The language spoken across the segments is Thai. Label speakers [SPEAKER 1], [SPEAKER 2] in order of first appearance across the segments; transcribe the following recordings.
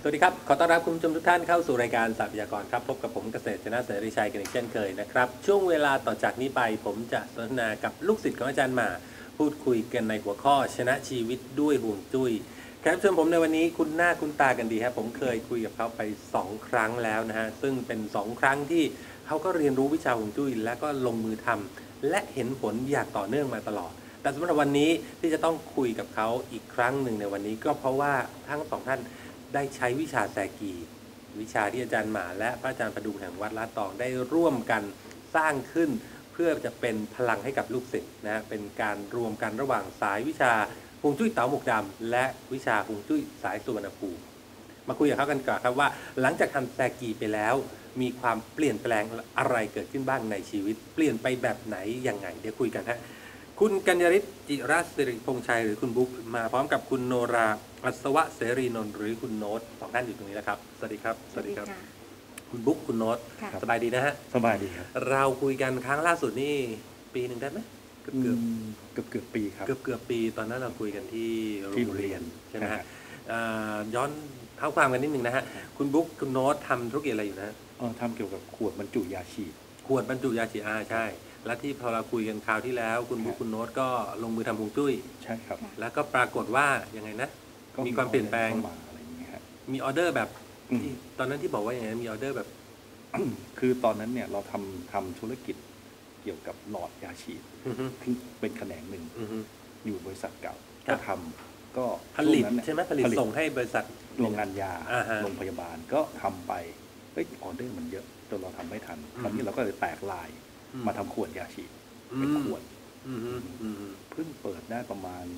[SPEAKER 1] วัสดีครับขอต้อนรับคุณผู้ชมทุกท่านเข้าสู่รายการทรัพยากรครับพบกับผมเกษตรชนะเสรีชัยกันอีกเช่นเคยนะครับช่วงเวลาต่อจากนี้ไปผมจะสนทนากับลูกศิษย์ของอาจารย์หมาพูดคุยกันในหัวข้อชนะชีวิตด้วยห่วงจุ้ยแขกรับเชิญผมในวันนี้คุณหน้าคุณตากันดีครับผมเคยคุยกับเขาไป2ครั้งแล้วนะฮะซึ่งเป็น2ครั้งที่เขาก็เรียนรู้วิชาห่วงจุ้ยและก็ลงมือทำและเห็นผลอย่างต่อเนื่องมาตลอดแต่สำหรับวันนี้ที่จะต้องคุยกับเขาอีกครั้งหนึ่งในวันนี้ก็เพราะว่าทั้งสองท่านได้ใช้วิชาแซกีวิชาที่อาจารย์หมาและพระอาจารย์ประดุงแห่งวัดลาดตองได้ร่วมกันสร้างขึ้นเพื่อจะเป็นพลังให้กับลูกศิษย์นะเป็นการรวมกันระหว่างสายวิชาฮวงจุ้ยเต๋าหมวกดำและวิชาฮวงจุ้ยสายสุวรรณภูมิมาคุยกับเขากันก่อนครับว่าหลังจากทำแซกีไปแล้วมีความเปลี่ยนแปลงอะไรเกิดขึ้นบ้างในชีวิตเปลี่ยนไปแบบไหนยังไงเดี๋ยวคุยกันฮะคุณกัญญริศจิรัสิริพงษ์ชัยหรือคุณบุ๊กมาพร้อมกับคุณโนราอัศวะเสรีนนท์หรือคุณโน้ตสองท่านอยู่ตรงนี้แล้วครับสวัสดีครับสวัสดีครับคุณบุ๊กคุณโน้ตสบายดีนะฮะ
[SPEAKER 2] สบายดีครับ
[SPEAKER 1] เราคุยกันครั้งล่าสุดนี่ปีหนึ่งได้ไหมเ
[SPEAKER 2] กือบปีครับ
[SPEAKER 1] เกือบปีตอนนั้นเราคุยกันที่โรงเรียนใช่ไหมฮะย้อนเท้าความกันนิดนึงนะฮะคุณบุ๊กคุณโน้ตทำธุรกิจอะไรอยู่นะ
[SPEAKER 2] ทำเกี่ยวกับขวดบรรจุยาฉีด
[SPEAKER 1] ขวดบรรจุยาฉีดใช่และที่พอเราคุยกันคราวที่แล้วคุณบุ๊คคุณโน้ตก็ลงมือทำฮวงจุ้ย
[SPEAKER 2] ใช่ครับ
[SPEAKER 1] แล้วก็ปรากฏว่ายังไงนะมีความเปลี่ยนแปลงมีออเดอร์แบบตอนนั้นที่บอกว่าอย่างไงมีออเดอร์แบบ
[SPEAKER 2] คือตอนนั้นเนี่ยเราทำธุรกิจเกี่ยวกับหลอดยาฉีดเป็นแขนงหนึ่งอยู่บริษัทเก่าก็ทำก็
[SPEAKER 1] ผลิตใช่ไหมผลิตส่งให้บริษัท
[SPEAKER 2] โรงงานยาโรงพยาบาลก็ทำไปออเดอร์มันเยอะจนเราทำไม่ทันคราวนี้เราก็เลยแตกลายมาทำขวดยาฉีดเป็นขวดเพิ่งเปิดได้ประมาณ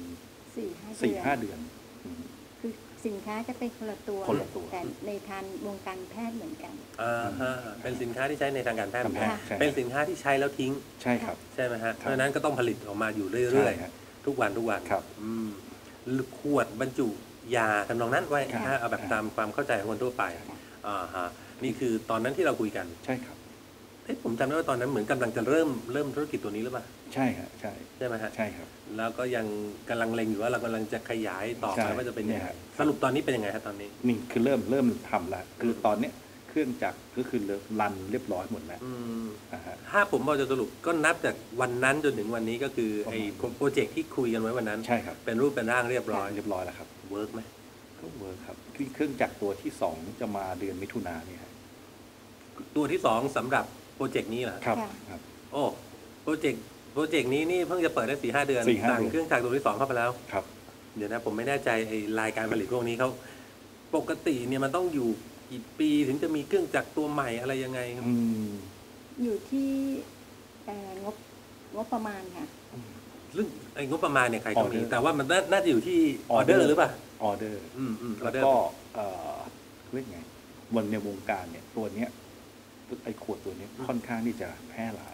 [SPEAKER 2] 4-5 เดือน
[SPEAKER 3] คือสินค้าจะเป็นคนละตัวแต่ในทางวงการแพทย์เหมือนกัน
[SPEAKER 1] เป็นสินค้าที่ใช้ในทางการแพทย์เป็นสินค้าที่ใช้แล้วทิ้ง
[SPEAKER 2] ใช่ครับ
[SPEAKER 1] ใช่ไหมฮะเพราะฉะนั้นก็ต้องผลิตออกมาอยู่เรื่อยๆทุกวัน
[SPEAKER 2] ครับ
[SPEAKER 1] ขวดบรรจุยาทำนองนั้นไว้เอาแบบตามความเข้าใจของคนทั่วไปนี่คือตอนนั้นที่เราคุยกัน
[SPEAKER 2] ใช่ครับ
[SPEAKER 1] ผมจำได้ว่าตอนนั้นเหมือนกำลังจะเริ่มธุรกิจตัวนี้หรือเปล่า
[SPEAKER 2] ใช่ครับใช่
[SPEAKER 1] ไหมฮะ
[SPEAKER 2] ใช่ครับ
[SPEAKER 1] แล้วก็ยังกำลังเล็งอยู่ว่าเรากำลังจะขยายต่อไปว่าจะเป็นยังไงสรุปตอนนี้เป็นยังไงครับตอนนี้
[SPEAKER 2] นี่คือเริ่มทำแล้วคือตอนเนี้ยเครื่องจักรก็คือรันเรียบร้อยหมดแล้ว
[SPEAKER 1] ถ้าผมบอกจะสรุปก็นับจากวันนั้นจนถึงวันนี้ก็คือไอ้โปรเจกต์ที่คุยกันไว้วันนั้น
[SPEAKER 2] ใช่ครับ
[SPEAKER 1] เป็นรูปเป็นร่างเรียบร้อย
[SPEAKER 2] แล้วครับ
[SPEAKER 1] เวิร์กไหม
[SPEAKER 2] ก็เวิร์กครับเครื่องจักรตัวที่2จะมาเดือนมิถุนายนเนี่ย
[SPEAKER 1] ตัวที่2สำหรับโปรเจกต์นี้เหรอ
[SPEAKER 2] ครับ
[SPEAKER 1] โอ้โปรเจกต์นี้นี่เพิ่งจะเปิดได้ 4-5 เดือนสั่งเครื่องจักรตัวที่2เข้าไปแล้ว
[SPEAKER 2] ครับ
[SPEAKER 1] เดี๋ยวนะผมไม่แน่ใจไอ้รายการผลิตพวกนี้เขาปกติเนี่ยมันต้องอยู่กี่ปีถึงจะมีเครื่องจักรตัวใหม่อะไรยังไงครับ
[SPEAKER 3] อยู่ที่งบประมาณค่ะ
[SPEAKER 1] ซึ่งไอ้งบประมาณเนี่ยใครก็มีแต่ว่ามันน่าจะอยู่ที่ออเดอร์หรือเปล่า
[SPEAKER 2] ออเดอร์แล้วก็เรียกไงวันในวงการเนี่ยตัวเนี้ยไอ้ขวดตัวนี้ค่อนข้างที่จะแพร่หลาย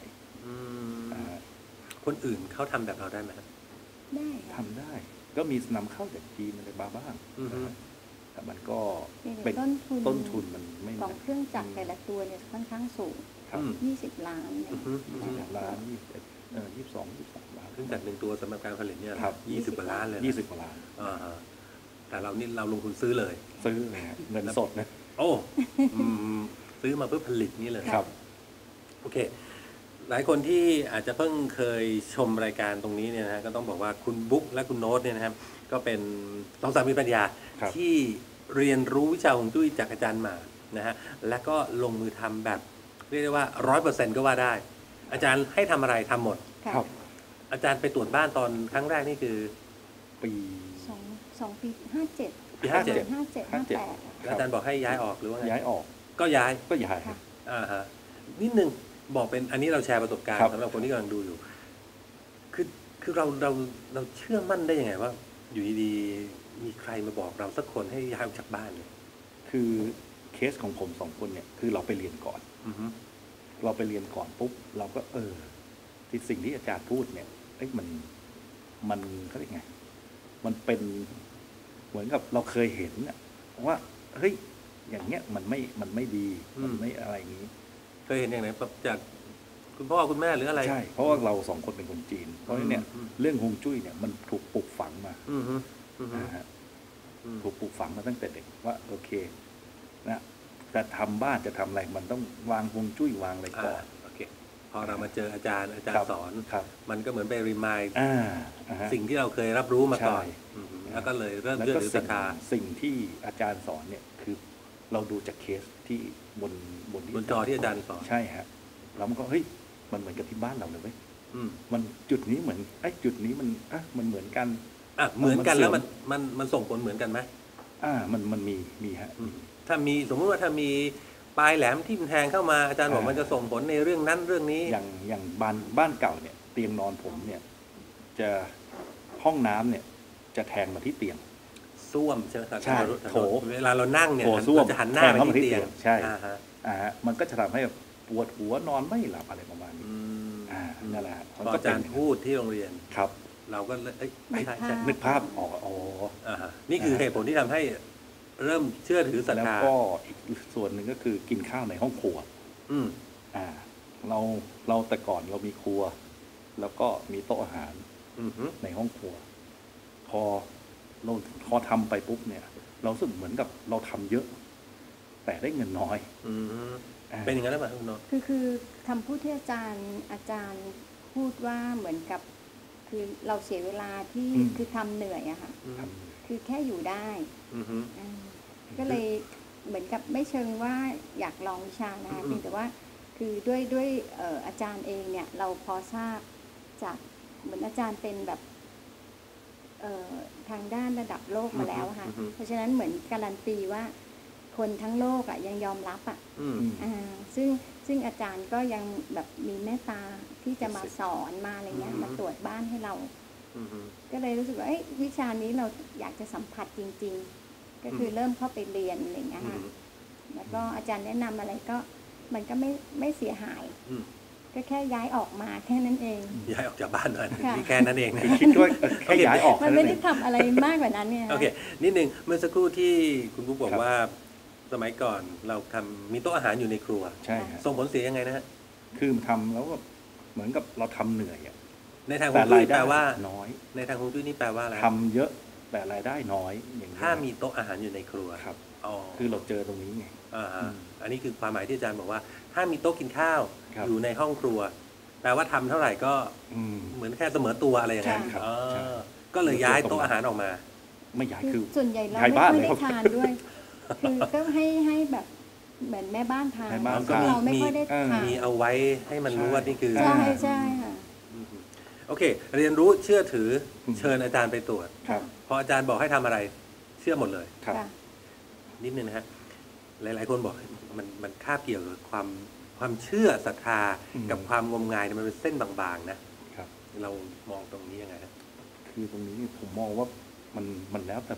[SPEAKER 1] คนอื่นเขาทำแบบเราได้ไหม
[SPEAKER 3] ได้
[SPEAKER 2] ทำได้ก็มีนำเข้าจากจีนอะไรบ้างแต่มันก็เป็นต้นทุนมันไม่
[SPEAKER 3] ของเครื่องจักรแต่ละตัวเนี่ยค่อนข้างสูง20 ล้าน
[SPEAKER 2] 20 ล้าน22 ล้าน
[SPEAKER 1] เครื่องจักร1ตัวสำหรับการผลิตเนี่ย20 กว่าล้านเลย
[SPEAKER 2] 20 กว่าล้าน
[SPEAKER 1] แต่เรานี่เราลงทุนซื้อเลย
[SPEAKER 2] เงินสดนะ
[SPEAKER 1] โอ้ซื้อมาเพื่อผลิตนี่เลย
[SPEAKER 2] ครับ
[SPEAKER 1] โอเคหลายคนที่อาจจะเพิ่งเคยชมรายการตรงนี้เนี่ยนะก็ต้องบอกว่าคุณบุ๊กและคุณโน้ตเนี่ยนะครับก็เป็น2 สามีปัญญาที่เรียนรู้วิชาฮวงจุ้ยจากอาจารย์หมานะฮะและก็ลงมือทำแบบเรียกได้ว่า 100% ก็ว่าได้อาจารย์ให้ทำอะไรทำหมด
[SPEAKER 2] ครับ
[SPEAKER 1] อาจารย์ไปตรวจบ้านตอนครั้งแรกนี่คือ
[SPEAKER 2] ปี
[SPEAKER 3] ปี57
[SPEAKER 1] ปี57แล้วอาจารย์บอกให้ย้ายออกหรือว่าไง
[SPEAKER 2] ย้ายออก
[SPEAKER 1] ก็ย้าย
[SPEAKER 2] ครับ
[SPEAKER 1] นิดนึงบอกเป็นอันนี้เราแชร์ประสบการณ์สำหรับคนที่กำลังดูอยู่คือเราเชื่อมั่นได้ยังไงว่าอยู่ดีๆมีใครมาบอกเราสักคนให้ย้ายออกจากบ้านเนี่ย
[SPEAKER 2] คือเคสของผม2 คนเนี่ยคือเราไปเรียนก่อนเราไปเรียนก่อนปุ๊บเราก็ที่สิ่งที่อาจารย์พูดเนี่ยมันเขาเรียกไงมันเป็นเหมือนกับเราเคยเห็นว่าเฮ้ยอย่างเงี้ยมันไม่ดีมันไม่อะไรอย่างนี้
[SPEAKER 1] เคยเห็นอย่างไรจากคุณพ่อคุณแม่หรืออะไร
[SPEAKER 2] ใช่เพราะว่าเรา2 คนเป็นคนจีนเพราะฉะนั้นเนี่ยเรื่องฮวงจุ้ยเนี่ยมันถูกปลูกฝังมาถูกปลูกฝังมาตั้งแต่เด็กว่าโอเคนะจะทำบ้านจะทำอะไรมันต้องวางฮวงจุ้ยวางอะไรก่อน
[SPEAKER 1] โอเคพอเรามาเจออาจารย์
[SPEAKER 2] ครับ
[SPEAKER 1] สอน
[SPEAKER 2] ครับ
[SPEAKER 1] มันก็เหมือนไปรีมาย
[SPEAKER 2] ฮะ
[SPEAKER 1] สิ่งที่เราเคยรับรู้มาก่อน
[SPEAKER 2] ใช่
[SPEAKER 1] แล้วก็เลยเริ่ม
[SPEAKER 2] แล้ว
[SPEAKER 1] เชื่อ
[SPEAKER 2] ก็
[SPEAKER 1] ถือศรัทธา
[SPEAKER 2] สิ่งที่อาจารย์สอนเนี่ยคือเราดูจากเคสที่บน
[SPEAKER 1] บนจอที่อาจารย์สอน
[SPEAKER 2] ใช่ฮะแล้วมันก็เฮ้ยมันเหมือนกับที่บ้านเราเลยเว้ย
[SPEAKER 1] อืม
[SPEAKER 2] มันจุดนี้เหมือนจุดนี้มันมันเหมือนกัน
[SPEAKER 1] เหมือนกัน
[SPEAKER 2] มันเสื่
[SPEAKER 1] แล้
[SPEAKER 2] อ
[SPEAKER 1] ว
[SPEAKER 2] ม
[SPEAKER 1] มันส่งผลเหมือนกันไหม
[SPEAKER 2] มันมีฮะ
[SPEAKER 1] ถ้ามีสมมติว่าถ้ามีปลายแหลมที่มันแทงเข้ามาอาจารย์บอกมันจะส่งผลในเรื่องนั้นเรื่องนี้
[SPEAKER 2] อย่างบ้านเก่าเนี่ย เตียงนอนผมเนี่ย จะห้องน้ำเนี่ย จะแทงมาที่เตียง
[SPEAKER 1] ส้วมใช่ไหมครับ
[SPEAKER 2] ใช่โถ
[SPEAKER 1] เวลาเรานั่งเนี่ย
[SPEAKER 2] โถส้วม
[SPEAKER 1] เราจะหันหน้าไปที่เตียง
[SPEAKER 2] ใช่
[SPEAKER 1] อ่าฮะ
[SPEAKER 2] มันก็จะทำให้ปวดหัวนอนไม่หลับอะไรประมาณนี้
[SPEAKER 1] อืม
[SPEAKER 2] นั่นแหละฮะ
[SPEAKER 1] พออาจารย์พูดที่โรงเรียน
[SPEAKER 2] ครับ
[SPEAKER 1] เราก็เลยไม่ใช่
[SPEAKER 2] นึกภาพออก
[SPEAKER 1] นี่คือเหตุผลที่ทำให้เริ่มเชื่อถือศรัท
[SPEAKER 2] แล้ว
[SPEAKER 1] ธา
[SPEAKER 2] ก็อีกส่วนหนึ่งก็คือกินข้าวในห้องครัว
[SPEAKER 1] อืม
[SPEAKER 2] เราแต่ก่อนเรามีครัว แล้วก็มีโต๊ะอาหาร
[SPEAKER 1] อืมฮึ
[SPEAKER 2] ในห้องครัว พอเราทำไปปุ๊บเนี่ย เรารู้สึกเหมือนกับเราทำเยอะ แต่ได้เงินน้อย
[SPEAKER 1] อืมเป็นอย่างนั้นหรือเปล่าคุณนนท์
[SPEAKER 3] คือคำพูดที่อาจารย์พูดว่าเหมือนกับ คือเราเสียเวลาที่
[SPEAKER 2] อืม
[SPEAKER 3] คือทำเหนื่อยอะค่ะ
[SPEAKER 2] ท
[SPEAKER 3] คือแค่อยู่ได้
[SPEAKER 1] อืมฮึ
[SPEAKER 3] อ่าก็เลยเหมือนกับไม่เชิงว่าอยากลองวิชานะคะ
[SPEAKER 1] อืม
[SPEAKER 3] เพียงแต่ว่าคือด้วยอาจารย์เองเนี่ยเราพอทราบจากเหมือนอาจารย์เป็นแบบทางด้านระดับโลกมาแล้วอะค่ะเพราะฉะนั้นเหมือนการันตีว่าคนทั้งโลกอะยังยอมรับอะ
[SPEAKER 1] อืม
[SPEAKER 3] อ่าซึ่งอาจารย์ก็ยังแบบมีเมตตาที่จะมาสอนมาอะไรเงี้ยมาตรวจบ้านให้เรา
[SPEAKER 1] อืมฮึ
[SPEAKER 3] ก็เลยรู้สึกว่าวิชานี้เราอยากจะสัมผัสจริง ๆ ก็คือเริ่มเข้าไปเรียนอะไรเงี้ย
[SPEAKER 1] อื
[SPEAKER 3] ค่ะ
[SPEAKER 1] ม แล้ว
[SPEAKER 3] ก็อาจารย์แนะนำอะไรก็มันก็ไม่เสียหาย
[SPEAKER 1] อืม
[SPEAKER 3] ก็แค่ย้ายออกมาแค่นั้นเอง
[SPEAKER 1] ย้ายออกจากบ้านหน่อย
[SPEAKER 3] ค่ะ
[SPEAKER 1] นี่แค่นั้นเองนะ
[SPEAKER 2] ำคิดว่าแค่ย้ายออก
[SPEAKER 3] มัน
[SPEAKER 2] แค่
[SPEAKER 3] ไม่
[SPEAKER 2] เอ
[SPEAKER 3] ได้
[SPEAKER 2] ง
[SPEAKER 3] ทำอะไรมากกว่านั้นเนี่ย
[SPEAKER 1] โอเค นิดนึงเมื่อสักครู่ที่คุณบุ๊กบอก
[SPEAKER 2] ครับ
[SPEAKER 1] ว่า สมัยก่อนเรามีโต๊ะอาหารอยู่ในครัว
[SPEAKER 2] ใช่ฮะ
[SPEAKER 1] ส่งผลเสียยังไงนะฮะ
[SPEAKER 2] คือทำแล้วก็เหมือนกับเราทำเหนื่อยอะ
[SPEAKER 1] ในทางฮ
[SPEAKER 2] แต่
[SPEAKER 1] วงจุ้
[SPEAKER 2] ราย ย
[SPEAKER 1] แป
[SPEAKER 2] ได้
[SPEAKER 1] ลว่า
[SPEAKER 2] น้อย
[SPEAKER 1] ในทางฮวงจุ้ยนี่แปลว่าอะไร
[SPEAKER 2] ทำเยอะแต่รายได้น้อยอย่างนี้ย
[SPEAKER 1] ถ้ามีโต๊ะอาหารอยู่ในครัว
[SPEAKER 2] ครับ
[SPEAKER 1] อ๋อ
[SPEAKER 2] คือเราเจอตรงนี้ไง
[SPEAKER 1] อ่าฮะ
[SPEAKER 2] อืม
[SPEAKER 1] อันนี้คือความหมายที่อาจารย์บอกว่า ถ้ามีโต๊ะกินข้าว
[SPEAKER 2] ครับ
[SPEAKER 1] อยู่ในห้องครัว แปลว่าทำเท่าไหร่ก็
[SPEAKER 2] อืม
[SPEAKER 1] เหมือนแค่เสมอตัวอะไรอย่างนั้น
[SPEAKER 2] ใช่ครับ
[SPEAKER 1] อ๋อ
[SPEAKER 2] ใช่
[SPEAKER 1] ก็เลยย้ายโต๊ะอาหารออกมา
[SPEAKER 2] ไม่ย้าย
[SPEAKER 3] คื
[SPEAKER 2] คือ
[SPEAKER 3] อส่วนใหญ่เรา
[SPEAKER 2] ย้าย
[SPEAKER 3] ไม่
[SPEAKER 2] บ้าน
[SPEAKER 3] ค่อย
[SPEAKER 2] เลย
[SPEAKER 3] ได้
[SPEAKER 2] ครับ
[SPEAKER 3] ทานด้วย คือก็ให้แบบเหมือนแม่บ้านทาน
[SPEAKER 2] แม่บ้าน
[SPEAKER 3] ซึ่ง
[SPEAKER 2] ทาน
[SPEAKER 3] เราไม่ค่อยได้ทาน
[SPEAKER 1] มีเอาไว้ให้มันรู้ว่านี่คือ
[SPEAKER 2] ใช่
[SPEAKER 3] ใช่ค่ะ
[SPEAKER 1] อืมโอเค เรียนรู้เชื่อถือเชิญอาจารย์ไปตรวจ
[SPEAKER 2] ครับ
[SPEAKER 1] พออาจารย์บอกให้ทำอะไร เชื่อหมดเลย
[SPEAKER 2] ครับ
[SPEAKER 3] ค่ะ
[SPEAKER 1] นิดนึงนะฮะ หลาย ๆ คนบอกมันคาบเกี่ยวกับความเชื่อศรัทธา
[SPEAKER 2] อืม
[SPEAKER 1] กับความงมงายเนี่ยมันเป็นเส้นบางๆนะครับ เรามองตรงนี้ยังไงฮะ
[SPEAKER 2] คือตรงนี้ผมมองว่ามันแล้วแต่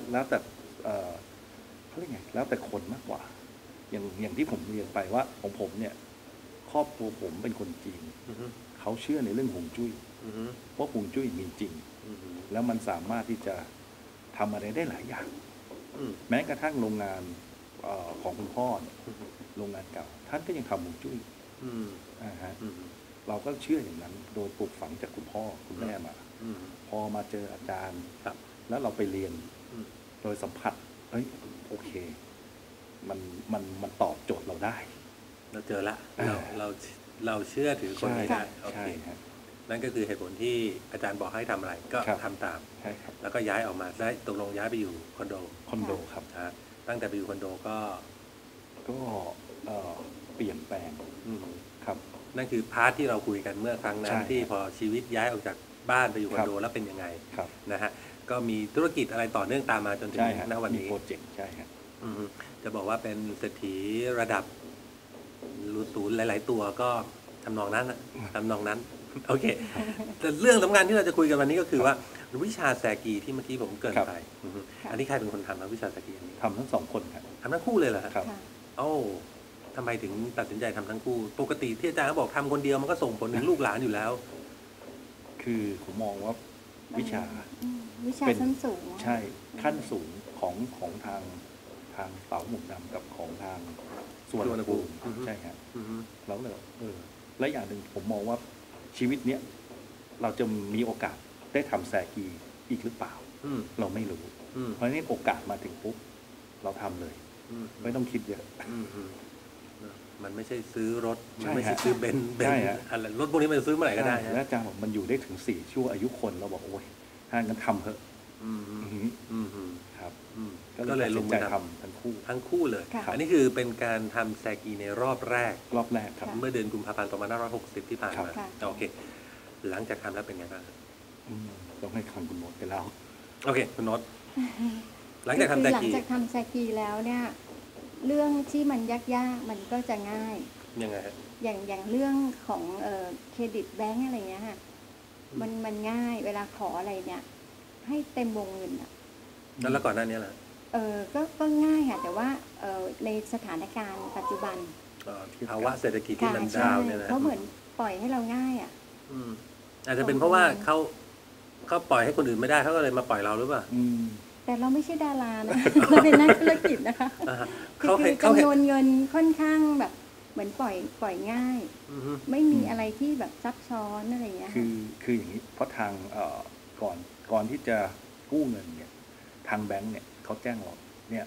[SPEAKER 2] เขาเรียกไงแล้วแต่คนมากกว่า อย่างที่ผมเรียนไปว่าของผมเนี่ย ครอบครัวผมเป็นคนจีน
[SPEAKER 1] อือฮึ
[SPEAKER 2] เขาเชื่อในเรื่องฮวงจุ้ย
[SPEAKER 1] อือฮึ
[SPEAKER 2] ว่าฮวงจุ้ยมีจริง
[SPEAKER 1] อือฮึ
[SPEAKER 2] แล้วมันสามารถที่จะทำอะไรได้หลายอย่าง
[SPEAKER 1] อืม
[SPEAKER 2] แม้กระทั่งโรงงานของคุณพ่อเนี่ย
[SPEAKER 1] อือฮึ
[SPEAKER 2] โรงงานเก่า ท่านก็ยังทำฮวงจุ้ย
[SPEAKER 1] อืม
[SPEAKER 2] ฮะ
[SPEAKER 1] อืม
[SPEAKER 2] เราก็เชื่ออย่างนั้น โดยปลูกฝังจากคุณพ่อคุณแม่มา
[SPEAKER 1] อืม
[SPEAKER 2] พอมาเจออาจารย์
[SPEAKER 1] ครับ
[SPEAKER 2] แล้วเราไปเรียน
[SPEAKER 1] อืม
[SPEAKER 2] โดยสัมผัสเอ้ยโอเค มันตอบโจทย์เราได้
[SPEAKER 1] เราเจอละ
[SPEAKER 2] อ่า
[SPEAKER 1] เราเชื่อถือคนนี้ได้โอ
[SPEAKER 2] ใช่
[SPEAKER 1] เค
[SPEAKER 2] ฮะ
[SPEAKER 1] นั่นก็คือเหตุผลที่อาจารย์บอกให้ทำอะไร ก็
[SPEAKER 2] ครับ
[SPEAKER 1] ทำตาม
[SPEAKER 2] ใช่ครับ
[SPEAKER 1] แล้วก็ย้ายออกมาได้ตกลงย้ายไปอยู่คอนโด
[SPEAKER 2] คอนโดครับ
[SPEAKER 1] นะฮะตั้งแต่ไปอยู่คอนโดก็
[SPEAKER 2] ก็เปลี่ยนแปลง
[SPEAKER 1] อืม
[SPEAKER 2] ครับ
[SPEAKER 1] นั่นคือพาร์ทที่เราคุยกันเมื่อครั้งนั้
[SPEAKER 2] ใช่
[SPEAKER 1] นที่พอชีวิตย้ายออกจากบ้านไปอยู่คอนโด
[SPEAKER 2] ครับ
[SPEAKER 1] แล้วเป็นยังไง
[SPEAKER 2] ครับ
[SPEAKER 1] นะฮะก็มีธุรกิจอะไรต่อเนื่องตามมาจนถึง
[SPEAKER 2] ใช่ฮะ
[SPEAKER 1] ณวัน
[SPEAKER 2] มี
[SPEAKER 1] นี้
[SPEAKER 2] โปรเจกต์ใช่ฮะ
[SPEAKER 1] อืมจะบอกว่าเป็นเศรษฐีระดับรูศูนย์หลาย ๆ ตัวก็ทำนองนั้นนะทำนองนั้น โอเค แต่เรื่องสำคัญที่เราจะคุยกันวันนี้ก็คือว่าวิชาแซกีที่เมื่อกี้ผมเกริน
[SPEAKER 2] ครับ
[SPEAKER 1] ไปอือฮึ
[SPEAKER 3] ค่ะ
[SPEAKER 1] อันนี้ใครเป็นคนทำครับวิชาแซกีอันนี้
[SPEAKER 2] ทำทั้งสองคนครับ
[SPEAKER 1] ทำทั้งคู่เลยเหรอฮะ
[SPEAKER 2] ครับ
[SPEAKER 3] ค่ะ
[SPEAKER 1] เอ้าทำไมถึงตัดสินใจทำทั้งคู่ ปกติที่อาจารย์เขาบอกทำคนเดียวมันก็ส่งผลถึงลูกหลานอยู่แล้ว
[SPEAKER 2] คือผมมองว่าวิชา
[SPEAKER 3] วิชา
[SPEAKER 2] เป็น
[SPEAKER 3] ชั้นสูง
[SPEAKER 2] ใช่ขั้นสูงของทางเต๋าหมุนดำกับของทางส่วน
[SPEAKER 1] สุวรรณภูมิ
[SPEAKER 2] ใช่ครับ
[SPEAKER 1] อือฮึ
[SPEAKER 2] แล้วเลยและอย่างหนึ่งผมมองว่าชีวิตเนี้ยเราจะมีโอกาสได้ทำแซกีอีกหรือเปล่า
[SPEAKER 1] อืม
[SPEAKER 2] เราไม่รู้
[SPEAKER 1] อ
[SPEAKER 2] เพราะฉะนั้นโอกาสมาถึงปุ๊บเราทำเลย ไม่ต้องคิดเยอะ
[SPEAKER 1] มันไม่ใช่ซื้อรถ
[SPEAKER 2] ใช่
[SPEAKER 1] มันไม่ใช่
[SPEAKER 2] ฮะ
[SPEAKER 1] ซื้อเบนซ์
[SPEAKER 2] ใช่ฮะ
[SPEAKER 1] อะไรรถพวกนี้มันซื้อเมื่อไหร่ก็ได้
[SPEAKER 2] แล้วอาจารย์บอกมันอยู่ได้ถึง4 ชั่วอายุคนเราบอกโอ้ยถ้างั้นทำเถอะ
[SPEAKER 1] อืม
[SPEAKER 2] อือฮึ
[SPEAKER 1] อืมอืม
[SPEAKER 2] ครับ
[SPEAKER 1] อืม
[SPEAKER 2] ก็
[SPEAKER 1] ก็
[SPEAKER 2] เล
[SPEAKER 1] เลย ย
[SPEAKER 2] ตัด
[SPEAKER 1] ล
[SPEAKER 2] สิ
[SPEAKER 1] ง
[SPEAKER 2] น
[SPEAKER 1] มื
[SPEAKER 2] ใจ
[SPEAKER 1] อท
[SPEAKER 2] ทำทั้งคู่
[SPEAKER 1] ำทั้งคู่เลย
[SPEAKER 3] ค่ะ
[SPEAKER 1] อันนี้คือเป็นการทำแซกีในรอบแรก
[SPEAKER 2] รอบแรกครับ
[SPEAKER 3] ค่ะ
[SPEAKER 1] เมื่อเดือนกุมภาพันธ์2560 ที่ผ่านมา
[SPEAKER 3] ค่ะ
[SPEAKER 1] โอเค หลังจากทำแล้วเป็นไงบ้าง
[SPEAKER 2] อืมต้องให้คังคุณโน้ตไปแล้ว
[SPEAKER 1] โอเคคุณโน็อตหลังจากทำแซ
[SPEAKER 3] หลัง
[SPEAKER 1] กี
[SPEAKER 3] จากทำแซกีแล้วเนี่ย เรื่องที่มันยากๆมันก็จะง่าย
[SPEAKER 1] ยังไงฮะ
[SPEAKER 3] อย่างเรื่องของเครดิตแบงก์อะไรเงี้ยค่ะมันง่ายเวลาขออะไรเนี่ย ให้เต็มวงเงินอ่ะ
[SPEAKER 1] แล้วก่อนหน้านี้ล่ะ
[SPEAKER 3] ก็ง่ายค่ะแต่ว่าในสถานการณ์ปัจจุบัน
[SPEAKER 1] ภาวะเศรษฐกิจที่มัน
[SPEAKER 3] ใช่
[SPEAKER 1] ดาวน์เนี่ยนะ
[SPEAKER 3] เขาเหมือนปล่อยให้เราง่ายอ่ะ
[SPEAKER 1] อืมอาจจะเป็นเพราะว่าเขาปล่อยให้คนอื่นไม่ได้เขาก็เลยมาปล่อยเราหรือเปล่า
[SPEAKER 2] อืม
[SPEAKER 3] แต่เราไม่ใช่ดารานะ เราเป็นนักธุรกิจนะคะ
[SPEAKER 1] อ่าฮะ
[SPEAKER 3] คือ
[SPEAKER 1] เขาให้เขา
[SPEAKER 3] จำ
[SPEAKER 1] ให้
[SPEAKER 3] นวนเงินค่อนข้างแบบเหมือนปล่อยง่าย
[SPEAKER 1] อือฮึ
[SPEAKER 3] ไม่มีอะไรที่แบบซับซ้อนอะไรอย่างเงี้ย
[SPEAKER 2] คื
[SPEAKER 3] ค่ะ
[SPEAKER 2] คืออย่างนี้เพราะทางก่อนที่จะกู้เงินเนี่ยทางแบงก์เนี่ยเขาแจ้งเราเนี่ย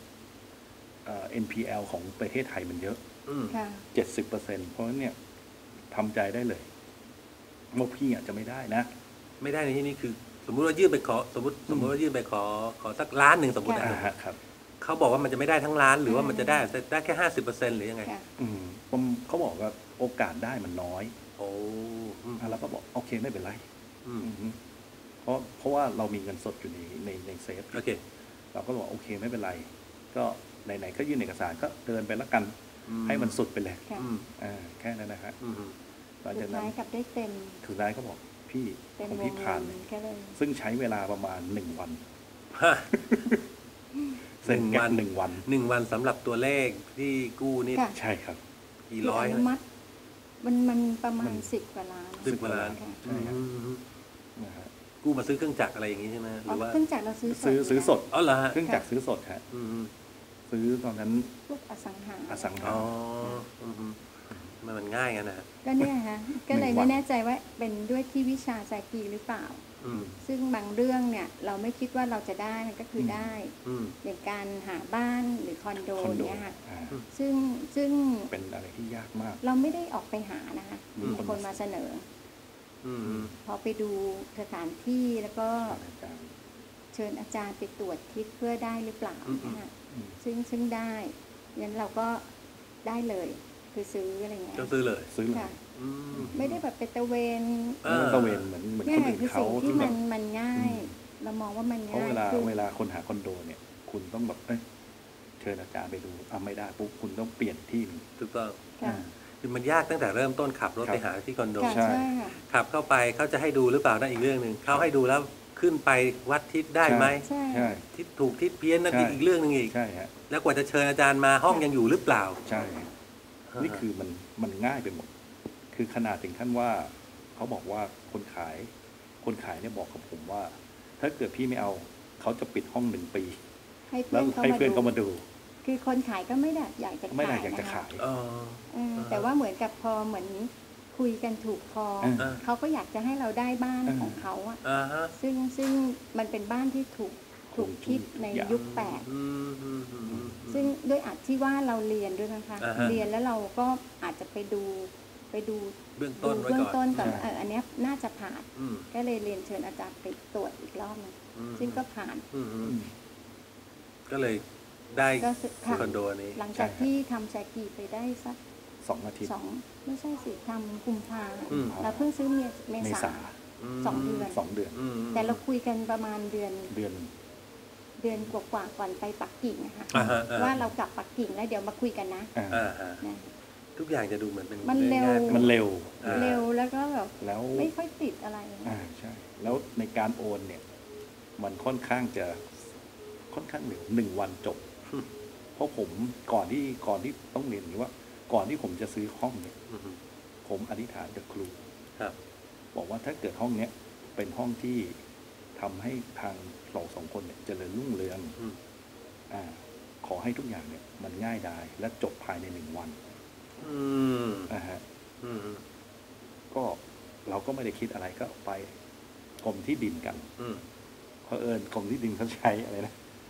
[SPEAKER 2] NPL ของประเทศไทยมันเยอะ
[SPEAKER 1] อืม
[SPEAKER 3] ค่ะ
[SPEAKER 2] 70%เพราะฉะนั้นเนี่ยทำใจได้เลยว่าพี่อาจจะไม่ได้นะ
[SPEAKER 1] ไม่ได้ในที่นี้คือ สมมุติว่ายื่นไปขอสมมติว่ายื่นไปขอสักล้านหนึ่งสมมติ
[SPEAKER 3] ค่ะ
[SPEAKER 1] นะ
[SPEAKER 2] ฮะครับ
[SPEAKER 1] เขาบอกว่ามันจะไม่ได้ทั้งล้านหรือว่ามันจะได้แค่50%หรือยังไง
[SPEAKER 3] ค่ะ
[SPEAKER 2] เขาบอกว่าโอกาสได้มันน้อย
[SPEAKER 1] โอ้อืม
[SPEAKER 2] แล้วก็บอกโอเคไม่เป็นไร
[SPEAKER 1] อืม
[SPEAKER 2] อืมเพราะว่าเรามีเงินสดอยู่ในเซฟ
[SPEAKER 1] โอเค
[SPEAKER 2] เราก็บอกโอเคไม่เป็นไร ก็ไหนๆก็ยื่นเอกสารก็เดินไปละกัน ให้มันสุดไปเลย
[SPEAKER 3] ค่ะ
[SPEAKER 1] อืม
[SPEAKER 2] แค่นั้นนะฮะ
[SPEAKER 1] อืม
[SPEAKER 2] หลัง
[SPEAKER 3] สุ
[SPEAKER 2] จาก
[SPEAKER 3] ด
[SPEAKER 2] นั้
[SPEAKER 3] ท้าน ยกลับได้เต็ม
[SPEAKER 2] สุดท้ายก็บอกพี่
[SPEAKER 3] เต็ม
[SPEAKER 2] ของ
[SPEAKER 3] ว
[SPEAKER 2] พี่
[SPEAKER 3] ง
[SPEAKER 2] ผ่า
[SPEAKER 3] เงิ
[SPEAKER 2] น
[SPEAKER 3] นก็เลย
[SPEAKER 2] ซึ่งใช้เวลาประมาณ1 วัน
[SPEAKER 1] ฮะ
[SPEAKER 2] เซ็นแค่
[SPEAKER 1] 1 วัน
[SPEAKER 2] 1 วัน
[SPEAKER 1] 1 วันสำหรับตัวเลขที่กู้นี่
[SPEAKER 3] ค่ะ
[SPEAKER 2] ใช่ครับ
[SPEAKER 1] กี่
[SPEAKER 3] คือ
[SPEAKER 1] ร้อย
[SPEAKER 3] อนุมัติมันประมาณ
[SPEAKER 2] มัน
[SPEAKER 3] 10 กว่าล้าน
[SPEAKER 1] 10 กว่าล้าน
[SPEAKER 3] ค่ะ
[SPEAKER 2] ใช่ครับ
[SPEAKER 1] อืม
[SPEAKER 2] นะฮะ
[SPEAKER 1] กู้มาซื้อเครื่องจักรอะไรอย่างงี้ใช่ไหมหรือว่า
[SPEAKER 3] เครื่องจักรเราซื้อ
[SPEAKER 2] ซื้อสด
[SPEAKER 1] อ๋อเหรอฮะ
[SPEAKER 2] เครื่องจักรซื้อสดฮะ
[SPEAKER 1] อืม
[SPEAKER 2] ซื้อตอนนั้น
[SPEAKER 3] พวกอสังหา
[SPEAKER 2] อสังหา
[SPEAKER 1] อ๋ออืมมันง่ายกันนะฮะ
[SPEAKER 3] ก็เนี่ยฮะก็เลย
[SPEAKER 2] 1 วั
[SPEAKER 3] ไม่
[SPEAKER 2] น
[SPEAKER 3] แน่ใจว่าเป็นด้วยที่วิชาแซกีหรือเปล่า
[SPEAKER 1] อืม
[SPEAKER 3] ซึ่งบางเรื่องเนี่ยเราไม่คิดว่าเราจะได้มันก็คือได้
[SPEAKER 1] อืม
[SPEAKER 3] อย่างการหาบ้านหรือคอนโด
[SPEAKER 2] คอนโด
[SPEAKER 3] เนี่ยค่ะ
[SPEAKER 2] อ่า
[SPEAKER 3] ซึ่ง
[SPEAKER 2] เป็นอะไรที่ยากมาก
[SPEAKER 3] เราไม่ได้ออกไปหานะคะ
[SPEAKER 2] มี
[SPEAKER 3] มีคนมาเสนอ
[SPEAKER 1] อืม
[SPEAKER 3] พอไปดูสถานที่แล้วก็
[SPEAKER 2] อาจารย์
[SPEAKER 3] เชิญอาจารย์ไปตรวจทิศเพื่อได้หรือเปล่านะคะ
[SPEAKER 2] อืม
[SPEAKER 3] ซึ่งได้งั้นเราก็ได้เลยคือซื้ออะไรเงี้ย
[SPEAKER 1] ก็ซื้อเลย
[SPEAKER 2] ซื้อเลย
[SPEAKER 3] ค่ะ
[SPEAKER 1] อืม
[SPEAKER 3] ไม่ได้แบบไปตระเวน
[SPEAKER 1] อ่า
[SPEAKER 2] มันตะเวนเหมือน
[SPEAKER 3] เนี่ย
[SPEAKER 2] คนอื่น
[SPEAKER 3] คือ
[SPEAKER 2] เขา
[SPEAKER 3] สิ่งที่
[SPEAKER 2] ที่แบ
[SPEAKER 3] มั
[SPEAKER 2] บ
[SPEAKER 3] นง่าย
[SPEAKER 2] อืม
[SPEAKER 3] เรามองว่ามัน
[SPEAKER 2] เพราะ
[SPEAKER 3] ง่าย
[SPEAKER 2] เวลา
[SPEAKER 3] คือ
[SPEAKER 2] เวลาคนหาคอนโดเนี่ย คุณต้องแบบเชิญอาจารย์ไปดูไม่ได้ปุ๊บคุณต้องเปลี่ยนที่หนึ่ง
[SPEAKER 1] ถูกต้อง
[SPEAKER 3] ค่ะ
[SPEAKER 1] คือมันยากตั้งแต่เริ่มต้นขับรถ
[SPEAKER 2] ครับ
[SPEAKER 1] ไปหาที่คอนโด
[SPEAKER 3] ค่ะ
[SPEAKER 2] ใช่
[SPEAKER 3] ใช่ค่ะ
[SPEAKER 1] ขับเข้าไปเขาจะให้ดูหรือเปล่านั่นอีกเรื่องหนึ่งเขาให้ดูแล้วขึ้นไปวัดทิศได้ไหม
[SPEAKER 3] ใช่
[SPEAKER 2] ใช่
[SPEAKER 1] ทิศถูกทิศเพี้ยนนั่น
[SPEAKER 2] ใช่
[SPEAKER 1] อีกเรื่องหนึ่งอีก
[SPEAKER 2] ใช่ฮะ
[SPEAKER 1] แล้วกว่าจะเชิญอาจารย์มาห้องยังอยู่หรือเปล่า
[SPEAKER 2] ใช่ฮะนี่คือมันง่ายไปหมด คือขนาดถึงขั้นว่าเขาบอกว่าคนขายเนี่ยบอกกับผมว่า ถ้าเกิดพี่ไม่เอาเขาจะปิดห้อง1 ปี
[SPEAKER 3] ให้
[SPEAKER 2] แล้
[SPEAKER 3] เพื่
[SPEAKER 2] ว
[SPEAKER 3] อนเขา
[SPEAKER 2] ให้เพื่อนเขา
[SPEAKER 3] มา
[SPEAKER 2] มา
[SPEAKER 3] ดู
[SPEAKER 2] ดู
[SPEAKER 3] คือคนขายก็ไม่ได้อยากจะ
[SPEAKER 2] ไม่ได้
[SPEAKER 3] ขาย
[SPEAKER 2] อยากจะ
[SPEAKER 3] นะคะ
[SPEAKER 2] ขาย
[SPEAKER 1] อ๋อ
[SPEAKER 3] แต่ว่าเหมือนกับพอเหมือนคุยกันถูกคอ
[SPEAKER 2] อ่า
[SPEAKER 3] เขาก็อยากจะให้เราได้บ้าน
[SPEAKER 2] อ่า
[SPEAKER 3] ของเขาอะ
[SPEAKER 1] อ่าฮะ
[SPEAKER 3] ซึ่งมันเป็นบ้านที่ถูกคิดในยุค8
[SPEAKER 1] อืมอืมอืมอืม
[SPEAKER 3] ซึ่งด้วยอาจที่ว่าเราเรียนด้วยนะคะ
[SPEAKER 1] อ่าฮะ
[SPEAKER 3] เรียนแล้วเราก็อาจจะไปดู
[SPEAKER 1] เบื้องต้นไว้
[SPEAKER 3] เบื้อง
[SPEAKER 1] ก่อน
[SPEAKER 3] ต้นก่อน
[SPEAKER 2] ใช่
[SPEAKER 3] ว่าอันเนี้ยน่าจะผ่าน
[SPEAKER 1] อืม
[SPEAKER 3] ก็เลยเรียนเชิญอาจารย์ไปตรวจอีกรอบหนึง
[SPEAKER 1] อืม
[SPEAKER 3] ซึ่งก็ผ่าน
[SPEAKER 1] อืมอื
[SPEAKER 2] อื
[SPEAKER 1] ม
[SPEAKER 2] ม
[SPEAKER 1] ก็เลยได้
[SPEAKER 3] ก็ซื้อค่ะ
[SPEAKER 1] คอนโดอันนี้
[SPEAKER 3] หลังจาก
[SPEAKER 2] ใช่ครับ
[SPEAKER 3] ที่ทำแซกีไปได้สัก
[SPEAKER 2] 2 อาทิตย์
[SPEAKER 3] 2ไม่ใช่สิทำกุมภา
[SPEAKER 1] อืม
[SPEAKER 3] เราเพิ่งซื้อเม
[SPEAKER 2] เม
[SPEAKER 3] ษา
[SPEAKER 2] ษา
[SPEAKER 3] สองเดือน
[SPEAKER 2] 2 เดือน
[SPEAKER 1] อืม
[SPEAKER 3] แต่เราคุยกันประมาณเดือน
[SPEAKER 2] เดือน
[SPEAKER 3] กว่าๆก่อนไปปักกิ่งนะคะ
[SPEAKER 1] อ่าฮะอ่า
[SPEAKER 3] ว่าเรากลับปักกิ่งแล้วเดี๋ยวมาคุยกันนะ
[SPEAKER 2] อ่า
[SPEAKER 1] อ่าฮะ
[SPEAKER 3] นะ
[SPEAKER 1] ทุกอย่างจะดูเหมือนเป็น
[SPEAKER 3] มันเร็ว
[SPEAKER 1] ง่ายๆ
[SPEAKER 2] มันเร็ว
[SPEAKER 1] อ่า
[SPEAKER 3] เร็วแล้วก็แบบ
[SPEAKER 2] แล้ว
[SPEAKER 3] ไม่ค่อยติดอะไร
[SPEAKER 2] ใช่ แล้วในการโอนเนี่ย มันค่อนข้างเร็ว1 วันจบ เพราะผมก่อนที่ต้องเรียนอย่างนี้ว่า ก่อนที่ผมจะซื้อห้องเนี่ย
[SPEAKER 1] อืม
[SPEAKER 2] ผมอธิษฐานกับครู
[SPEAKER 1] ครับ
[SPEAKER 2] บอกว่าถ้าเกิดห้องเนี้ยเป็นห้องที่ทำให้ทางเรา2 คนเนี่ยเจริญรุ่งเรือง
[SPEAKER 1] อืม
[SPEAKER 2] ขอให้ทุกอย่างเนี่ย มันง่ายดายและจบภายใน1 วัน
[SPEAKER 1] อืม
[SPEAKER 2] นะฮะ
[SPEAKER 1] อืม
[SPEAKER 2] ก็เราก็ไม่ได้คิดอะไรก็ไปกรมที่ดินกัน
[SPEAKER 1] อืม
[SPEAKER 2] เพอเอิญกรมที่ดินเขาใช้อะไรนะ